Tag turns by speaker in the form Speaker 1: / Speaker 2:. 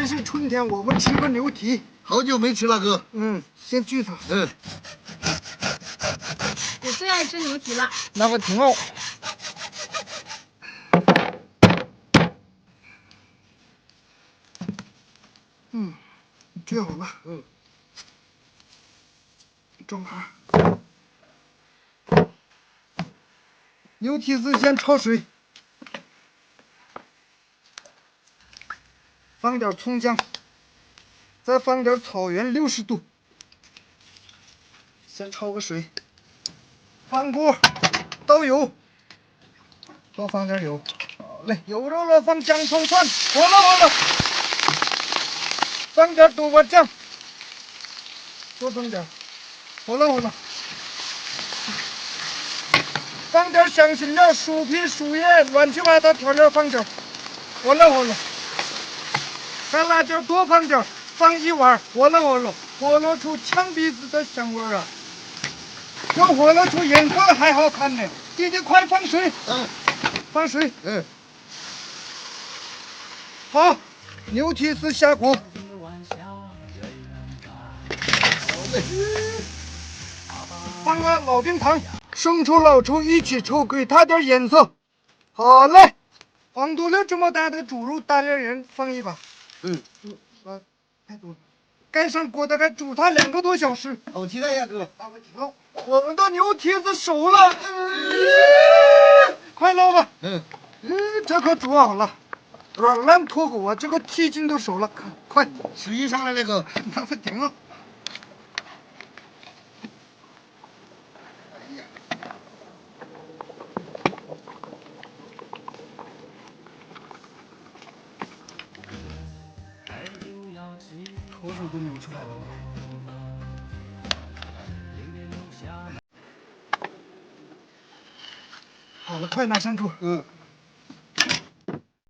Speaker 1: 是春天，我们吃个牛蹄。
Speaker 2: 好久没吃了，哥。
Speaker 1: 先锯它。
Speaker 3: 我最爱吃牛蹄了。
Speaker 1: 那我挺好。锯好了。装盘。牛蹄子先焯水，放点葱姜，再放点草原60度，先焯个水。翻锅，倒油，多放点油。好嘞，油热了放姜葱蒜，火了。放点豆瓣酱，多放点，火了。放点香辛料、薯皮、树叶，乱七八糟调料放点，火了。干辣椒多放点，放一碗，火了出呛鼻子的香味啊！要火了出颜色还好看呢。弟弟快放水，放水，好，牛蹄子下锅。放个老冰糖、生抽、老抽一起抽，给它点颜色。好嘞，放多了这么大的猪肉，大连人放一把。太多了。盖上锅，大概煮它2个多小时。
Speaker 2: 好期待呀，哥！
Speaker 1: 我们的牛蹄子熟了，快捞吧。这可煮好了，软烂脱骨啊！这个蹄筋都熟了，快！
Speaker 2: 食欲上来了，哥。
Speaker 1: 那不顶了。头手都扭出来了。好了，快拿上桌。